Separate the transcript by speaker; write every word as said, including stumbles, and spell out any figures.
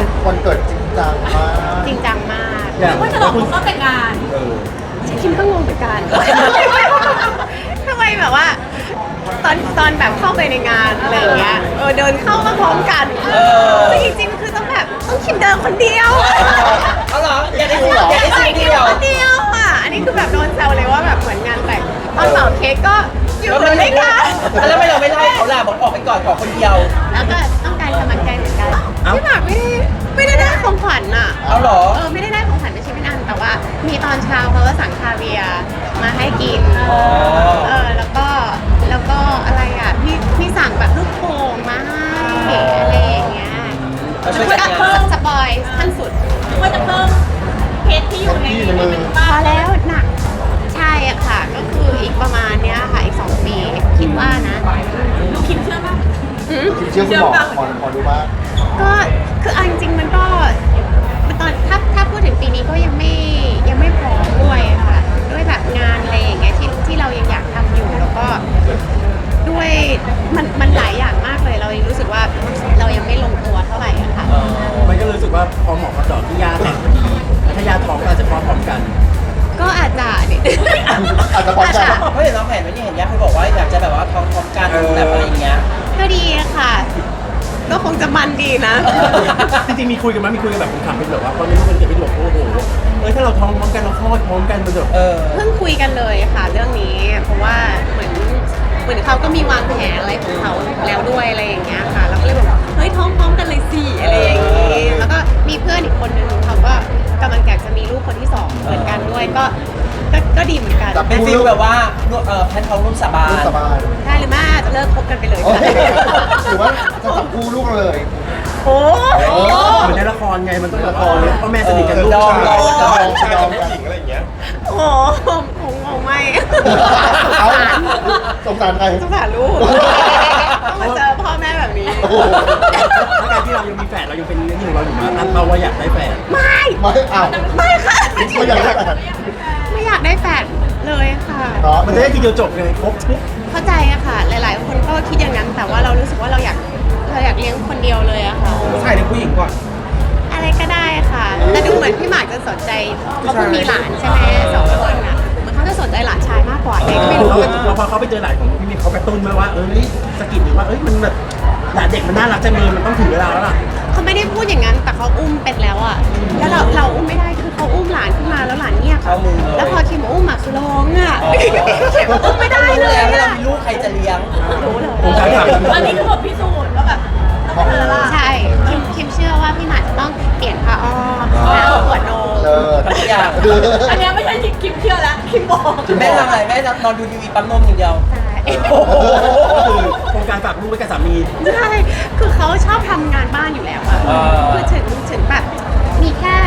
Speaker 1: วันวันเกิดจริงจังมาก
Speaker 2: จริงจังมาก
Speaker 3: ว่าจะหลอกเขาแต่งงาน
Speaker 2: คิมก็งงเหมือนกันทำไมแบบว่าตอนตอนแบบเข้าไปในงานอะไรอย่างเงี้ยเออเดินเข้ามาพร้อมกันแต่จริงๆคือต้องแบบต้องคิมเดินคนเดียว
Speaker 4: เอาเหรออยากได้สิ
Speaker 1: เหรอ
Speaker 4: อยากได้สิ
Speaker 2: คิ
Speaker 4: เดี
Speaker 2: ม
Speaker 4: ยว
Speaker 2: คนเดียวอ่ะอันนี้คือแบบโดนแซวเลยว่าแบบเหมือนงานแต่งตอนเป่าเค้กก็อยู่ด้วยกัน
Speaker 4: แล้วไม่เราไม่ไล่เขาล่ะบอกออกไปก่อนขอคนเดียว
Speaker 2: แล้วก็ต้องการกำลังใจเหมือนกันพี่หมากไม่ได้ไม่ได้ได้ของขวัญอ่ะ
Speaker 4: เอาเหรอ
Speaker 2: เออไม่ได้ได้ของขวัญไม่ใช่ไม่นานแต่ว่ามีตอนเช้าเขาก็สั่งคาเวียร์มาให้กิน
Speaker 4: อ๋อ
Speaker 2: เออแล้วก็แล้วก็อะไรอ่ะพี่พี่สั่งแบบลูกโป่งมาให้อะไรอย่างเงี้ย
Speaker 4: เราช่วยจัด
Speaker 2: ก็
Speaker 4: งาน
Speaker 2: สปอยขั้นสุด
Speaker 3: ว่าจะเพิ่มเพชรที่อยู่ในนี้เป็น
Speaker 2: พ
Speaker 3: บ้า
Speaker 2: อน แล้วหนักใช่อะค่ะ ก็คืออีกประมาณเนี้ยค่ะอีกสองปีคิดว่านะ
Speaker 3: ลูกคิมเชื่อป่ะ
Speaker 2: อืม
Speaker 1: คิดเชื่อคุณหมอหมอหมอดูมาก
Speaker 2: ก็คือเอาจริงๆมันก็มันตอนถ้าถ้าพูดถึงปีนี้ก็ยังไม่ยังไม่พร้อมด้วยค่ะด้วยแบบงานอะไรอย่างเงี้ยที่ที่เรายังอยากทำอยู่แล้วก็ด้วยมันมันหลายอย่างมากเลยเรายังรู้สึกว่าเรายังไม่ลงตัวเท่าไหร่อะค่ะ
Speaker 5: มันก็รู้สึกว่าพอหมอเขาเจาะที่ยาแต่งพอดีแล้วถ้ายาท้องก็อาจจะพร้อมๆกัน
Speaker 2: ก็อาจจะเนี่ย
Speaker 1: อาจจะพร้อมกัน
Speaker 4: เพราะเห็นเราแผนไว้นี่เห็นยักษ์เคยบอกว่าอยากจะแบบว่าท้องพร้อมกันแบบอะไรอย่างเงี้ย
Speaker 2: ก็ดีอะค่ะ ก็คงจะมันดีนะ
Speaker 5: จริงๆมีคุยกันไหมมีคุยกันแบบผมถามเป็นแบบว่าพอมีลูกกันเกิดเป็นแบบโอ้โหเออถ้าเราท้องพร้อมกันเราคลอดพร้อมกันมันแบบ
Speaker 4: เออ
Speaker 2: เพิ่งคุยกันเลยค่ะเรื่องนี้ เพราะว่าเหมือนเหมือนเขาก็มีวางแผนอะไรของเขาแล้วด้วยอะไรอย่างเงี้ยค่ะเราก็เลยบอกเฮ้ยท้องพร้อมกันเลยสิอะไรอย่างงี้แล้วก็มีเพื่อนอีกคนนึงเขาก็กำลังอยากจะมีลูกคนที่สองเหมือนกันด้วยก็ก็ก็ดีเหมือนกัน
Speaker 1: จับ
Speaker 4: เป็นฟิลแบบว่าเออแพทท้องร่วมสาบา
Speaker 1: ลูก
Speaker 4: น
Speaker 1: สบาย
Speaker 2: ได้หรือไม่อาจจะเลิกคบกันไปเลย
Speaker 1: โอ้
Speaker 2: ค่ะ
Speaker 1: หรือว่าจะจับคู่ลูกเลย
Speaker 2: โอ้
Speaker 1: โอ้
Speaker 5: เหมือนในละครไงมันต้องละครพ่อแม่สนิทกันลูก
Speaker 4: ดอง
Speaker 5: ชาย
Speaker 4: ดอง
Speaker 1: ชายกับผู้หญิงอะไรอย่างเงี้ย
Speaker 2: โหคงคงไม่
Speaker 1: เอาสงสารใคร
Speaker 2: สงสารลูกต้องมาเจอพ่อแม่แบบนี้
Speaker 1: โอ้โห
Speaker 5: แล้วการที่เรายังมีแฝดเรายังเป็นเรื่องที่ของเราอยู่มาตั้งเป้าว่าอยากได้แฝด
Speaker 2: ไม่
Speaker 1: ไม่เอา
Speaker 2: ไม่ค่ะ
Speaker 1: ไม่อยากได้
Speaker 2: ไม่อยากได้แฟนเลยค่ะ
Speaker 1: เนาะ
Speaker 5: มันจะได้ทีเดียวจบเลยครบทุก
Speaker 2: เข้าใจอะค่ะ หลาย ๆ คนก็คิดอย่างนั้น แต่ว่าเรารู้สึกว่าเราอยากเราอยากเลี้ยงคนเดียวเลยอะค่ะ
Speaker 4: ผู้ชายหรือผู้หญิงก่อน
Speaker 2: อะไรก็ได้ค่ะ แต่ดูเหมือนพี่หมากจะสนใจเขาเพิ่งมีหลานใช่ไหมสองคนอะเหมือนเขาจะสนใจหลานชายมากกว่าเองไม่รู้
Speaker 5: เขาพอเขาไปเจอหลานของพี่มิกเขากระตุ้นมาว่าเอ้ยสะกิดหรือว่าเอ้ยมันแบบหลานเด็กมันน่ารักจังเลยมันต้องถึงเวลาแล้วล่ะ
Speaker 2: เขาไม่ได้พูดอย่างนั้น แต่เขาอุ้มเป็นแล้วอะแล้วเราเราอุ้มไม่ได้ คือเขาอุ้มหลานขึ้นมาแล้วหลานเงียบ
Speaker 4: เข้ามือเลย
Speaker 2: แล้วพอคิมอุ้มอะคือร้องอะคิมอุ้มไม่ได้เลย
Speaker 4: แล้วเวลา
Speaker 2: อะ
Speaker 4: มีลูกใครจะเลี้ยง
Speaker 2: รู้เลย
Speaker 5: ผมจะถาม
Speaker 3: อันนี้คือบทพิสูจน์ว่าแบบต้องเป็นอะไร
Speaker 2: ใช่คิมคิมเชื่อว่าพี่หมากจะต้องเปลี่ยนผ้าอ้อมแล้วเอาขวดนม
Speaker 1: เออ
Speaker 4: ทุกอย่าง
Speaker 3: อันนี้ไม่ใช่คิมเชื่อแล้วคิมบอก
Speaker 4: แม่ทำอะไรแม่นอนดูทีวีปั๊มนมอย่างเดียว
Speaker 2: ใช่
Speaker 4: โอ้โห
Speaker 5: ก็คือโครงการฝากลูกไว้กับสามี
Speaker 2: ใช่คือเขาชอบทำงานบ้านอยู่แล้วอะ
Speaker 4: อ่า
Speaker 2: คือถึงถึงแบบมีแค่